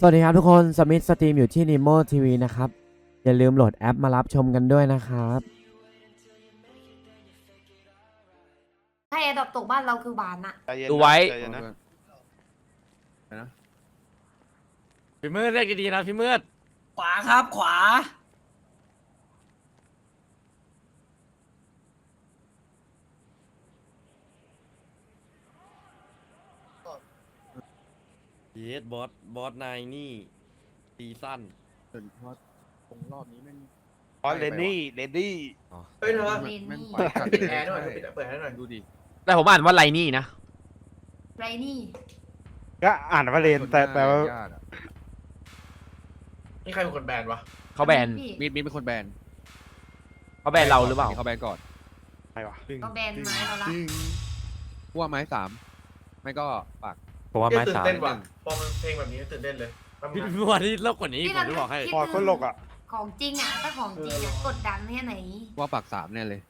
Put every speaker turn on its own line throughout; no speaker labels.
วัสดีครับทุกคนสมิธสตรีมอยู่ที่ Nemo TV นะครับอย่าลืมโหลดแอปมารับชมกันด้วยนะครับ
ถ้าแอร์ดรอปตกบ้านเราคือบานอะ
ดูไว้
พี่มืดเรียกดีๆนะพี่มืด
ขวาครับขวา
เยสบอสนายนี่ซีซั่น
เพราะตรงรอบนี้แม่ง
อ๋อเลนนี่
เฮ้ยเธอ
เลน
แม่ง
นี่
ปล่อยกัด
ปิดแอร์หน่อยเปิดแอร์หน่อย
ดูดิ
แต่ผมอ่านว่าไรนี่นะ
ไรนี่
ก็อ่านว่าเลนแต่ว่า
ญาติอะ
นี่ใครเป็นคนแบนวะ
เขาแบน
พี่
มีดเป็นคนแบน
เขาแบนเราหรือเปล่า
เขาแบนก่อน
อะไรวะ
ก็แบนไม้เราละ
พวกไม้สามไม่ก็ปาก
ผมว่า
เหี้
ไม้
ยตื่น
สาม
เต้นว่ะพอมันเพลงแบบนี้ตื่นเต้นเลยแป๊บนึ
พี่
งนะ
วันนี้โลกกว่านี้ผมจะบอกให้
พอคนโลกอ่ะ
ของจริงอะถ้าของจริงอะกดดันแค่ไหน
ว่าปากสามแน่เลย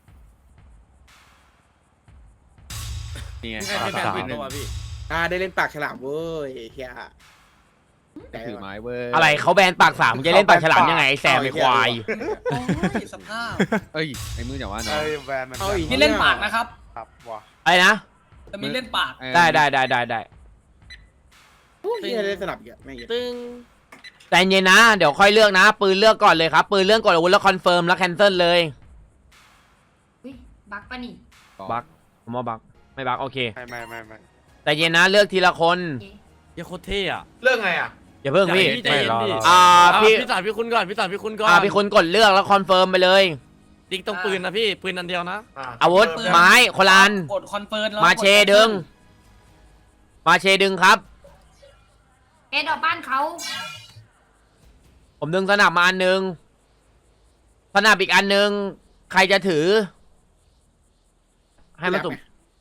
นี่ไง
พี่ใคร
ปาก
เป็นแบน
สาม
ปิดตัวพี่
ได้เล่นปากฉลามเว้ยเฮีย
ถือไม้เว้ย
อะไรเขาแบนปากสามมึงจะเล่นปากฉลามยังไงไอ้แซมไอ้ควาย
โอ้ยสภาพ
เอ้ยไอ้มืออย่าว่านะ
เอ้ยแบนมัน
เอาอีก
นี่เล่นปากนะครับ
ครับว่ะ
อะไรนะ
แต่มีเล่นปาก
ได้
เฮียเล่นสลับอีกอะไม่เหี้ย
ตึงใจเย็นนะเดี๋ยวค่อยเลือกนะปืนเลือกก่อนเลยครับปืนเลือกก่อนอาวุธแล้วคอนเฟิร์มแล้วแคนเซิลเลย
อุ้ยบักปะนี่
บักผมว่าบักไม่บักโอเค
ไม่
ใจเย็นนะเลือกทีละคน
โอเค
เหี้ยโคตรเท่อะ
เรื่องไงอ่ะ
อย่าเพิ่งพี่
ไม่รอ
พี่
พี่สารพี่คุณก่อนพี่สารพี่คุณก่อน
พี่คนกดเลือกแล้วคอนเฟิร์มไปเลย
ติ๊กตรงปืนนะพี่ปืนอันเดียวนะ
อาวุธไม้คนละอัน
กดคอนเฟิร์มแล้ว
มาเชดึง มาเชดึงครับ
แอร์ดรอปบ้านเขา
ผมดึงสนับมาอันหนึ่งสนับอีกอันหนึ่งใครจะถือ ให้มาตุ่ม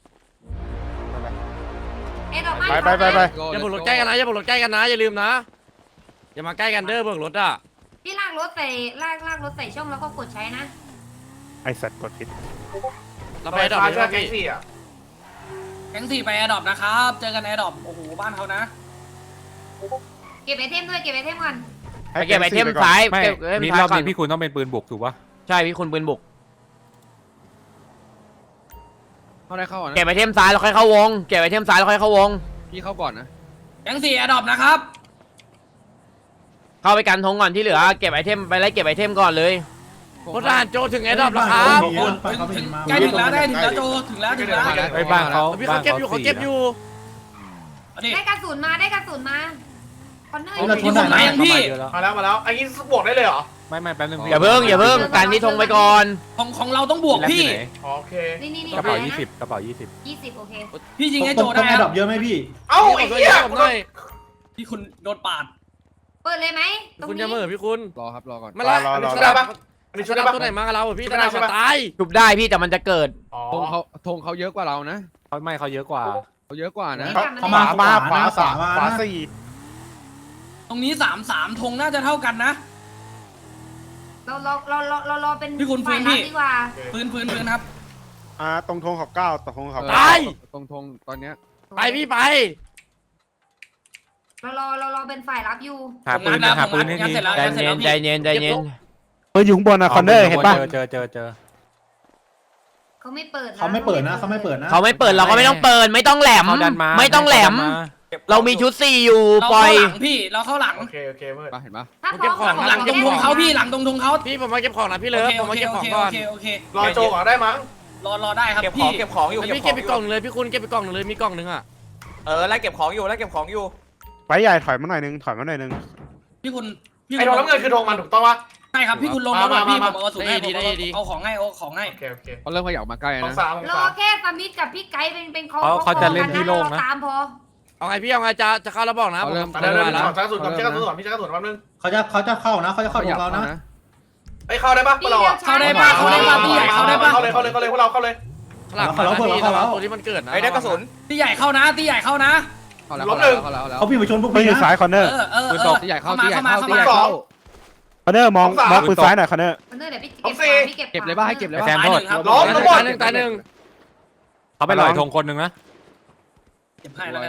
แอร์ดรอปบ้าน
ไป
เขานะ
อย่าบุกรถใกล้กันนะอย่าบุกรถใกล้กันนะอย่าลืมนะอย่ามาใกล้กันเด้อเบิกรถอ่ะ
พี่ลากรถใส่ลากรถใส่ช่องแล้วก็กดใช้นะ
ไอสัตว์กดผิด
เรา
ไป
ไปดอก
ฟ้า
เลย
ช่วย
ป่ะ
แก๊ง
พี่
สี่อ่ะ
แก๊งสี่ไปแอร์ดรอปนะครับเจอกันแอร์ดรอปโอ้โหบ้านเขานะ
เก็บไอเทมด้วยเก็บไอเทมก่อน
ไปเก็บไอเทมซ้าย
ไม่
เก็บไอเทม
นี่
ซ้าย
รอบ
ก่อน
นี้พี่คุณต้องเป็นปืนบุกถูกปะ
ใช่พี่คุณปืนบุก
เข้าได้เข้าอ่ะนะ
เก็บไอเทมซ้ายแล้วค่อยเข้าวง เก็บไอเทมซ้ายแล้วค่อยเข้าวง
พี่เข้าก่อนนะ
แก๊งสี่แอร์ดรอปนะครับ
เข้าไปกันธงก่อนที่เหลือ เก็บไอเทมไปไล่เก็บไอเทมก่อนเลย
พลทหารโจถึงแอร์ดรอปแล้วครับ
ถึงใกล้ถึงแล้วได้ถึงแล้วโจถึงแล้วถึงแล้ว
ไอ้บ้านเขา
พี่เขาเก็บอยู่เขาเก็บอยู่
อันนี้
ได้กระสุนมาได้กระสุนมาคอนเนอร์
เอากระสุนไหนยังพี่
มาแล้วอันนี้บวกได้เลยเหรอ
ไม่แป๊บนึงพี่
อย่าเพิ่งการที่ธงไปก่อน
ของเราต้องบวกพี่
อ๋อโอเค
นี่
กระเป๋า
นะ
20กระเป๋า20
20โอเค
พี่ยิงให้โจได้ครับ
เยอะไหมพี่
เอ้าไอ้
ช่วย
เหี้ย
ผมหน่อย
พี่คุณโดนปาด
เปิดเลยไหมตรง
คุณ
นี้
จะเหม่อพี่คุณ
รอครับรอก่อน
มาละ
ชุดได้ปะอันนี้
ชุ
ชุ
ด
ดได้
ดำ
ปะ
ตัวไหนมากับเราพี่
ชุ
จะ
ดได้
ได้
ใช่
มา
ปะ
ตาย
จุบได้พี่แต่มันจะเกิด
อ๋อ
ธงเขาเยอะกว่าเรานะ
เขาเยอะกว่า
เขาเยอะกว่านะ
ขวาสามขวาสี่
ตรงนี้3-3ธงน่าจะเท่ากันนะ
เราเป็น
พี่คุณ
ฝ่าย
พี่
รับดีกว่า
ปืนครับ
ตรงธงขอบเก้าตรงธงขอบ
ตาย
ตรงธงตอนเนี้ย
ไปพี่ไป
เราเป็นฝ่ายรับอยู่
หาปืนหาปืนให้ที
เสร็จแล้ว
ใจเย็นใจเย็นใจเย็น
เฮ้ยอยู่ข้างบนอะคอนเนอร์เห็นปะ
เจอ
เขาไม่เปิด
เขาไม่เปิดนะเขาไม่เปิดนะ
เขาไม่เปิดเราก็ไม่ต้องเปิดไม่ต้องแหลม
เขาดันมา
ไม่ต้องแหลม เรามีชุด4อยู่
เรา
ปล่
เข้า
อย
หลังพี่เราเข้าหลัง
โอเคเมื่อ
ปะเห็นปะ
ถ้าพร้อม
หลังตรงธงเขาพี่หลังตรงธงเขา
พี่ผมมาเก็บของนะพี่เลิฟผมมาเก็บของก่อน
โอเค
รอโจก่อนได้มั้ง
รอได้ครับพี่
พี่เก็บไปกล่องเลยพี่คุณเก็บไปกล่องเลยมีกล่องนึงอ่ะ
ไล่เก็บของอยู่
ไปใหญ่ถอยมาหน่อยนึง
พี่คุณ
ไอ้ทองน้ำเงินคือทองมันถูกต้องปะ
ใช่ครับพี่คุณลงแล้วพี่ผมเอาสุดให้
ดี
เอาของให้
โอเค
เขาเริ่มขยับมาใกล้
ทอง
นะ
สาม
รอแค่สมิธกับพี่ไกด์เป็นเขา
เขาจะเล่นที่โล่งนะ
ตามพอ
เอาไงพี่เอาไงจะเข้าแล้วบอกนะผม
เดี๋ยว
มาแล้ว
ชักกระสุนก่อนชักกระสุนก่อนพี่ชักกระสุนแป๊บนึง
เขาจะเข้านะเขาจะเข้าของเรานะ
ไอ้เข้าได้ปะพวกเราอะ
เข้าได้ป่ะเข้าได้ป่ะพี่ใหญ่เข้าได้ป่ะ
เข้าเลยพวกเราเข้าเลย
หลังตัวที่มันเกิดนะ
ตีใหญ่เข้านะตีใหญ่เข้านะ
เขาแล้ว
เขาพี่มาชนพวก
ไม่
พี่
อยู่
นะ
ซ้ายคอนเนอร์
ปืนตกที่ใหญ่เข้าที่ใหญ่เข้าที่ใหญ่
สอ
เข้าง
คอนเนอร์มองปืนซ้ายหน่อยคอนเนอร์
คอนเนอร์เดี๋ยวพี่
เอาสิ
เก็บเลยป่ะให้เก็บเลย
ไอ้
ป่ะ
แซมโทษ
ล้อมทั้งหมด
ตายหนึ่ง
เขาไปลอยธงคนหนึ่งนะ
เก็บให้แล้วกัน
ค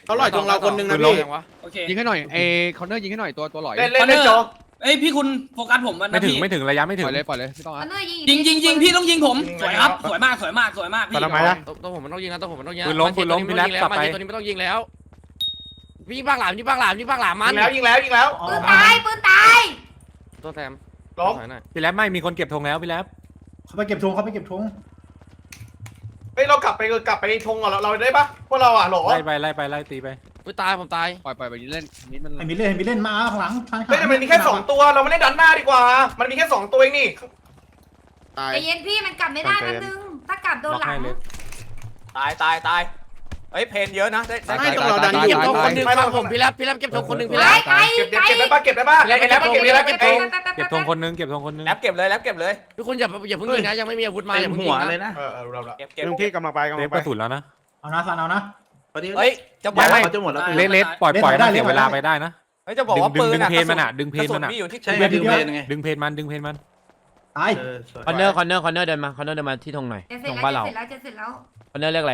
เขาลอยตรงเราคนนึงนะ
พี่
พี่
โอเค
ยิงให้หน่อยคอนเนอร์ยิงให้หน่อยตัวหลอย
เล่นเล่นโจ
เอ้ยพี่คุณโฟกัสผมมัน
ไม่
นะ
ถึง
พี่
ไม่ถึงระยะไม่
ป
ถึง
ล่อยเลยปล่อยเลยไม่ต้อง
ค
อ่ะ
อนเนอร์
ยิงพี่ต้องยิงผมสวยครับสวยมากพี่
ทำไมนะ
ต้องผมมันต้องยิงนะต้องผมมันต้องยิง
ปืนล้มปืนล้มพี่แรปกลับไป
ตัวนี้ไม่ต้องยิงแล้วพี่ยิงปากหลามยิงปากหลามยิงปากหลามมัน
ยิงแล้ว
ปืนตายปืนตาย
ตัวแซม
ล้ม
ถอยหน่อย
พี่แรปไม่มีคนเก็บธงแล้วพี่แรป
เขาไปเก็บธงเขาไปเก็บธง
เฮ้ยเรากลับไปธงก่อนเราได้ปะพวกเราอ่ะหรอ
ไล่ไปไล่ตีไป
อุ้ยตายผมตาย
ปล่อยไปเล่นนิดมัน
ให้มิเล่นมาข้างหลัง
เฮ้ยแต่มันมีแค่2ตัวเราไม่ได้ดันหน้าดีกว่า มันมีแค่2ตัวเองนี่
ตาย
ใจเย็นพี่มันกลับไม่ได้นะนึงถ้ากลับโดน
ล็อก
หลั
ให้
ง
เล็ก
ตายเฮ้ยเพนเยอะนะได้
เก็บธงคนหนึ่งฟังผมพี่แรปเก็บธงคนหนึ่งพี่แรป
ไกล
เก็บได้ปะเก็บได้ปะไอ้แล้วเก็บได้
เก็บธงคนนึงเก็บธงคนนึง
แลบเก็บเลย
ทุกคนอย่าเพิ่งยิงนะยังไม่มีอาวุธมาอย่าเพิ่งยิงนะ
เรา
เก็บ
ลุงพี่กำลังไป
เซฟกระสุนแล้วนะ
เอานะซันเอานะเฮ้ยจะบอก
ไม่
ว่าจะหมดแล้ว
เล็ดปล่อยมันเสียเวลาไปได้นะ
เฮ้ยจะบอกว่าปืน
ดึงเพนมันอ่ะดึงเพนมันอ่ะ
อยู่ที่
ดึงเพนมัน
ตาย
คอนเนอร์เดินมาที่ธงหน่อย
จะเสร็
ธ
จ
ง
แล้ว
บ้านเรา
จะเสร็จแล้ว
คอนเนอร์เรียกอะไร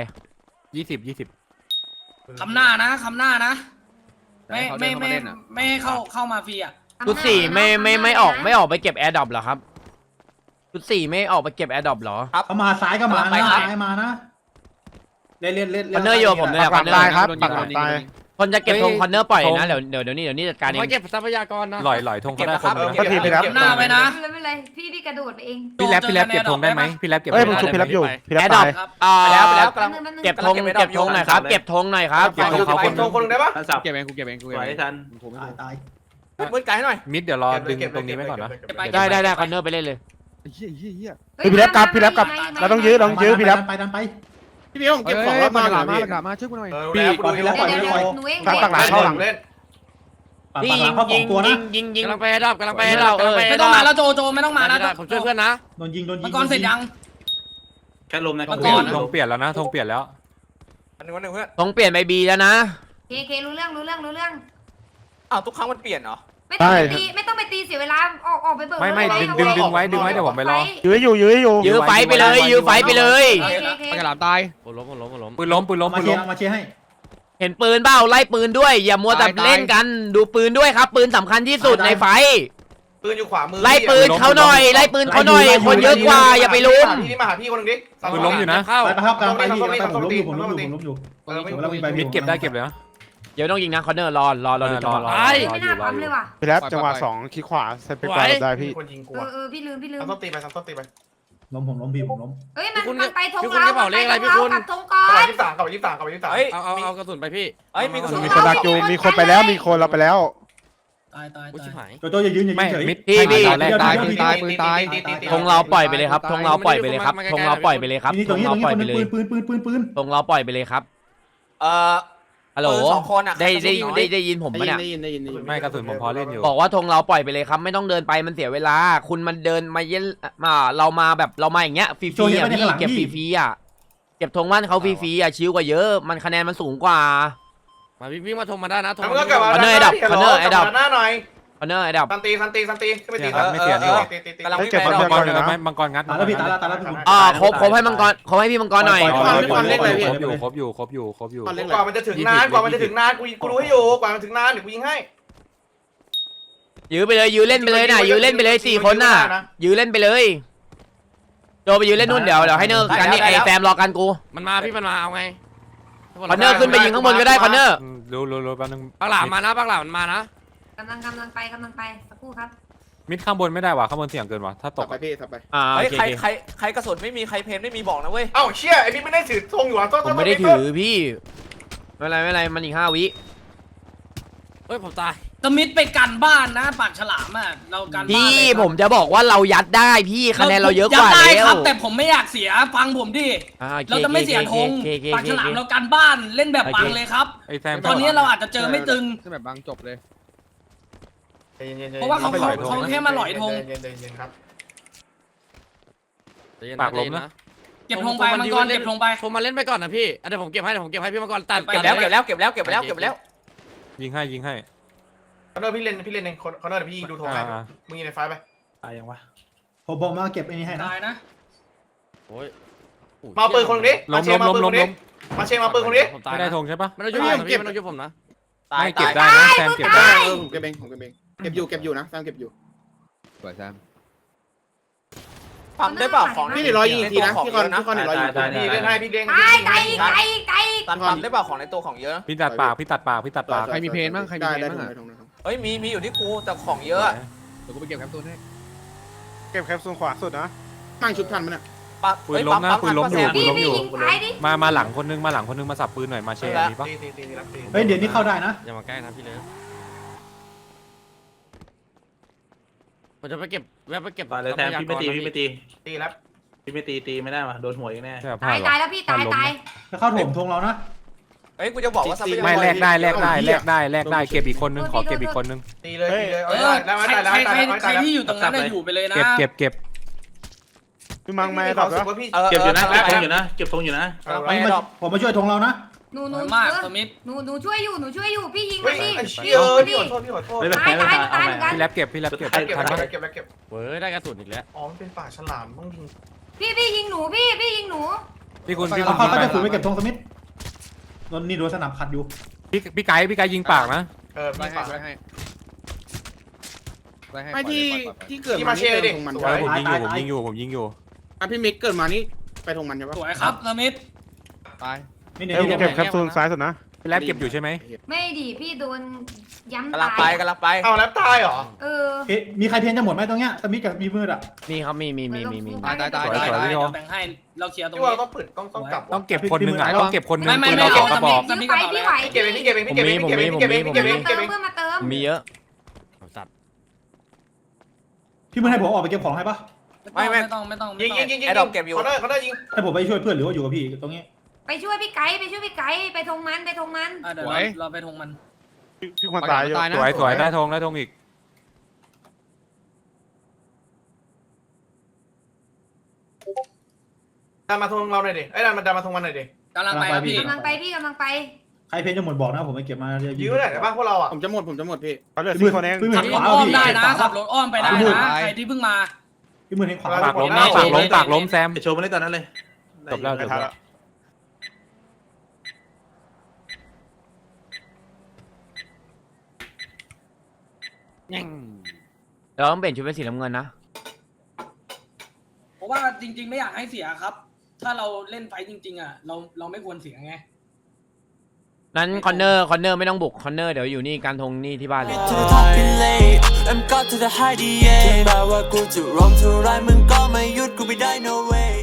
20
คำหน้านะไม่ให้เข้ามาฟรีอ่ะ
ชุดสี่ไม่ออกไปเก็บแอร์ดรอปเหรอครับชุดสี่ไม่ออกไปเก็บแอร์ดรอปเหรอ
เขามาซ้ายก็มานะซ้ายมานะเล่น
คอนเนอร์โยผมเลย
ปักหลังตายครับปักหลังตาย
คนจะเก็บธงคอนเนอร์ปล่อยนะเดี๋ยวนี้จัดการเอง
ไม่เก็บทรัพยากรนะ
หล่อยธงก็ได้คนนึง
หน้าไว้นะ
ไม่เป็นไรพี่กระโดดไปเอง
พี่แรปเก็บธงได้ไหมพี่แรปเก็บ
เฮ้ยผมชุบพี่รับอยู่พี่รับ
แอร์ดรอ
ตา
ป
ย
แล้ว
กำลัง
เก็บธงหน่อยครับเก็บธงหน่อยครับ
เก็บธงคนนึงได้ปะ
เก็บเองกูเก็บเอง
ตาย
มืดไกลให้หน่อย
มิดเดี๋ยวรอดึงตรงนี้ไว้ก่อนนะ
ได้คอนเนอร์ไปเล่นเลย
เฮีย
พี่รับกลับเราต้องยื้อพี่รับ
ไปดันไป
พี่พี่ผมเก็บของแล้ว
มา
มา
หลามาช่วยกูหน่อย
เดี๋ยวหนูเอง
ปักหลังเข้าหลัง
เล่น
พี่ยิง
กำลังไปให้รอบกำลังไปให้รอบ
ไม่ต้องมาแล้วโจไม่ต้องมานะ
ผมช่วยเพื่อนนะ
โดนยิง
มังกรเสร็จยัง
แค่ลมนะ
มังกร
ธงเปลี่ยนแล้วนะธงเปลี่ยนแล้ว
อันนึงเพื่อน
ธงเปลี่ยนไปบีแล้วนะ
เครู้เรื่อง
อ้าวทุกครั้งมันเปลี่ยนเหรอ
ไม่ต้องไปตีเสียเวลาออกไปเบิก
ไม่ดึงไว้เดี๋ยวผมไปรอ
ยื้ออยู่
ยื้อไฟไปเลย
ปากหลามตาย
ผมล้ม
ปืนล้ม
มาเชียร์ให้
เห็นปืนเปล่าไล่ปืนด้วย อย่ามัวแต่เล่นกันดูปืนด้วยครับปืนสำคัญที่สุดในไฟ
ปืนอยู่ขวามือ
ไล่ปืนเขาหน่อยคนเยอะกว่าอย่าไปลุ้ม
พี่มาหาพี่คนนึงดิ
ปืนล้มอยู่นะ
เข้า
ไปครับกำลังไปที่ผมล้มอยู่
มิดเก็บได้เก็บเลยนะ
เดี๋ยวต้องยิงนะคอนเนอร์รอดูจังหวะรอ
ไม่น่าปั๊มเลยว่ะ
พี่รับจังหวะ2คลิกขวาเซฟไปกว่าได้พี่
คนยิงกู
พี่ลืม
ต้องตีไปต้องตีไป
ล้มผมล้มพี่ผมล้ม
เฮ้ยมันไปธงเรากับธงก่อก
ลับ
น
23
เฮ้ย
เอากระสุนไปพี่
เฮ้ยมีกระสุน
มีคนดักอยู่มีคนไปแล้วมีคนเราไปแล้ว
ตาย
อุ้ยชิบหาย
โจอย่ายืนเฉย
มิด
พี่
ตายปืนตาย
ธงเราปล่อยไปเลยครับธงเราปล่อยไปเลยครับธงเราปล่อยไปเลยครับ
นี่
ธ
ตรง
ง
นี้
เราปล่อยไปเลย
ปืน
ธงเราปล่อยไปเลยครับฮัลโหลได้ยินผมปะเนี่ย
ไม่กระสุนผมพอเล่นอยู่
บอกว่าธงเราปล่อยไปเลยครับไม่ต้องเดินไปมันเสียเวลา คุณมันเดินมาเย็นเรามาแบบเรามาอย่างเงี้ยฟรีๆอ่ะพี่เก็บฟรีๆอ่ะเก็บธงบ้านเขาฟรีๆอ่ะชิวกว่าเยอะมันคะแนนมันสูงกว่า
มาวิ่งมาทงมาได้นะทง
มันก็กลับมาหน้าหน่อย
คอนเนอร์ไอ้ดับ
ซันตีขึ้นมาตี
กำลัง
เก็บ
ไป
คอนเนอร์ก่อนนะ
มังกรงัด
ตายแล้วพี่ตายแล้วพี่
ครบให้มังกรครบให้พี่มังกรหน่อย
ครบอยู่
กว่ามันจะถึงนานกูรู้ให้อยู่กว่ามันถึงนานเดี๋ยวกูยิงให้
ยื้อไปเลยยื้อเล่นไปเลยนะยื้อเล่นไปเลย4 คนน่ะยื้อเล่นไปเลยโจไปยื้อเล่นนู่นเดี๋ยวให้เนอร์กันนี่ไอ้แฟมรอกันกู
มันมาพี่มันมาเอาไง
คอนเนอร์ขึ้นไปยิงข้างบนก็ได้คอนเนอร์
รู้แป๊บนึง
ปากหลามมานะปากหลามมันมานะ
กำลังไปสักครู่ครับ
มิดข้างบนไม่ได้ว่ะข้างบนเสี่ยงเกินว่ะถ้าตก
ไปพี่ไป
โอเค
ใครกระสุนไม่มีใครเพนไม่มีบอกนะเว้ย
เอ้าเชี่ยไอ้นี่ไม่ได้ถือธงอยู่อ่ะ
ผมไม่ได้ถือพี่ไม่เป็นไรมันอีก5 วิ
เฮ้ยผมตาย
ตมิดไปกันบ้านนะปากฉลามอ่ะเรากันบ้าน
พี่ผมจะบอกว่าเรายัดได้พี่คะแนนเราเยอะกว่า
ได้
แล้
คว รับแต่ผมไม่อยากเสียฟังผมดิเราจะไม่เสียธงปากฉลามเรากันบ้านเล่นแบบปังเลยครับ
ไอ้แซม
ตอนนี้เราอาจจะเจอไม่ตึง
จะแบบบางจบเลย
เพราะว่าเขาแค่มาหลอยธง
ครับ
ปากล้มนะ
เก็บธงไปมังกรเก็บธงไป
ผมมาเล่นไปก่อนนะพี่เดี๋ยวผมเก็บให้พี่มังกรตัด
ไป
เก็บแล้ว
ยิงให้
คอนเนอร์พี่เล่นเองคอนเนอร์เดี๋ยวพี่ดูธงให้มึงยิงในไฟไป
ตายยังวะผมมาเก็บไอ้นี่ให้นะ
ตายนะ
โอ้ย
มาปืนคนนึงดิ
ล้ม
มาเชงมาปืนคนนี้
ผมตาย
ไม่ได้ธงใช่ปะ
ไม่ต้องยุบผมนะพี่ไม่ต้องยุบผมนะ
ไม่เก็บได้นะแซมเก็บได้
ผมเก็บเองเก็บอยู่นะแซมเก็บอยู่
สวยแซม
ปั๊มได้เปล่าของ
พี่เดี๋ยวรอยิงอีกทีนะพี่คอนเดี๋ยวรอยิง
นี่เล่นให้พี่เด้ง
ไก่
ตันปั๊มได้เปล่าของในตัวของเยอะ
พี่ตัดปากพี่ตัดปากพี่ตัดปาก
ใครมีเพนบ้างใครมีเพนบ้างอ่ะ
เฮ้ยมีอยู่ที่กูแต่ของเยอะ
เดี๋ยวกูไปเก็บแคปซูลให้
เก็บแคปซูลขวาสุดนะ
ตั้งชุดทันมันอ่ะ
ปืนล้มนะปืนล้มอยู่ปืน
พี่
ล้มอยู่
ยิงไก่ดิ
มาหลังคนนึงมาสับปืนหน่อยมาเชยมีปะ
เฮ้ยเดี๋ยวนี้เข้าได้นะ
อย่ามาใกล้นะพี่เลิฟผมจะไปเก็บแวะไปเก็บ
เลยแทนพี่ไม่ตี ตีแล้ว
พี่ไม่ตีไม่ได้มาโดนหัวอีกแน่
ใช่พลา
ตา
ด
ยแล้วพี่ตาย
จะเข้าโถมธงเรานะ
เฮ้ยกูจะบอกว่า
ไม่แลกได้เก็บอีกคนนึงขอเก็บอีกคนนึง
ตีเลยตีเลย
ใครที่อยู่ตรงนั้นอยู่ไปเลยนะ
เก็บ
พี่มังไม่ตอบแล้ว
เก็บอยู่นะเก็บธงอยู่นะเก็บธงอยู่นะ
ผมมาช่วยธงเรานะ
หนู
มากสมิธ
หนูช่วยอยู่พี่ยิง
เฮ้
มาย ดิ
พี่ขอโทษพี่ขอโทษ
ตายเหมือนกัน
พี่แลบเก็บทันปะ
เก็บ
เว้ยได้กระสุนอีกแล้ว
อ๋อมันเป็นป่าฉลามต้องยิง
พี่ยิงหนูพี่ยิงหนู
พี่คุณ
เราเข้าก็จะฝืนไปเก็บธงสมิธนี่โดนสนับขัดอยู่
พี่ไก่ยิงปากนะ
ไล่ให้
ป่า
ไล่ให้ไล่ให้
ไม่ที่เกิด
ที่มาเชยดิ
ธงมัน
ผมยิงอยู่
พี่มิกเกิดมานี่ไปธงมันใช่ปะ
สวยครับสมิธ
ตาย
ไม่เนี่ย
เก็บแคปซูลซ้ายสุดนะ
พี่แลบเก็บอยู่ใช่ไหม
ไม่ดิพี่โดนย้ำ
กำลังไป
เอาแล้วตายเหรอ
มีใครเพียนจะหมดไหมตรงเนี้ยสมิธกับมีมืดอ่ะ
มีครับมี
ตาย
ได้แบ่งให้เราเคลียร์ตรง
ที่ว่า
นี้
ต้องปิดต้องกลับ
ต้องเก็บคนนึงต้องเก็บคนนึง
ไม่
เราสองกระบอก
ยิงไปพี่ไหว
เก็บเองพี่เก็บเองพี่เก็บเองพี่เก็บเองพี่เก็บเองพี่เก็บเองพี่เก็บเอง
เพื่อนมาเติม
มีเยอะ
สัตว์
พี่มืดให้ผมออกไปเก็บของให้ปะ
ไม่ต้อง
ยิงไอ้ดอกเก็บอยู่เขาได้ยิง
ให้ผมไปช่วยเพื่อนหรือว่าอยู่กับพี่ตรงนี้
ไปช่วยพี่ไก่ไปทงมัน
เดี๋ยวเราไปทงมัน
พี่ควรตายอยู่
สวยได้ธงอีก
ดันมาทงเราหน่อยดิไอ้ดันมาทงมันหน่อยดิ
กำลังไปครับพี่
กำลังไป
ใครเพียนจะหมดบอกนะผมไปเก็บมา
ยื้อได้บ้างพวกเราอ่ะ
ผมจะหมดพี่
เขาเหลือ4คนเอง
พี่มื
ขั
ด
บรถอ้อมได้นะขับรถอ้อมไปได้นะใครที่เพิ่งมา
พี่มืดให้ขวา
ปากล้มแซม
โชว์มาได้ตอนนั้นเลย
จบแล้ว
เราต้องเปลี่ยนชุดเป็นสีน้ำเงินนะ
เพราะว่าจริงๆไม่อยากให้เสียครับ ถ้าเราเล่นไฟจริงๆอ่ะเราไม่ควรเสียไง
นั้นคอนเนอร์ไม่ต้องบุกคอนเนอร์เดี๋ยวอยู่นี่การทงนี่ที่บ้านเลย
to the top ไปเลย I'm got to the high ถึงแม้ว่ากูจะร้องเท่าไรมึงก็ไม่หยุดกูไม่ได้ no way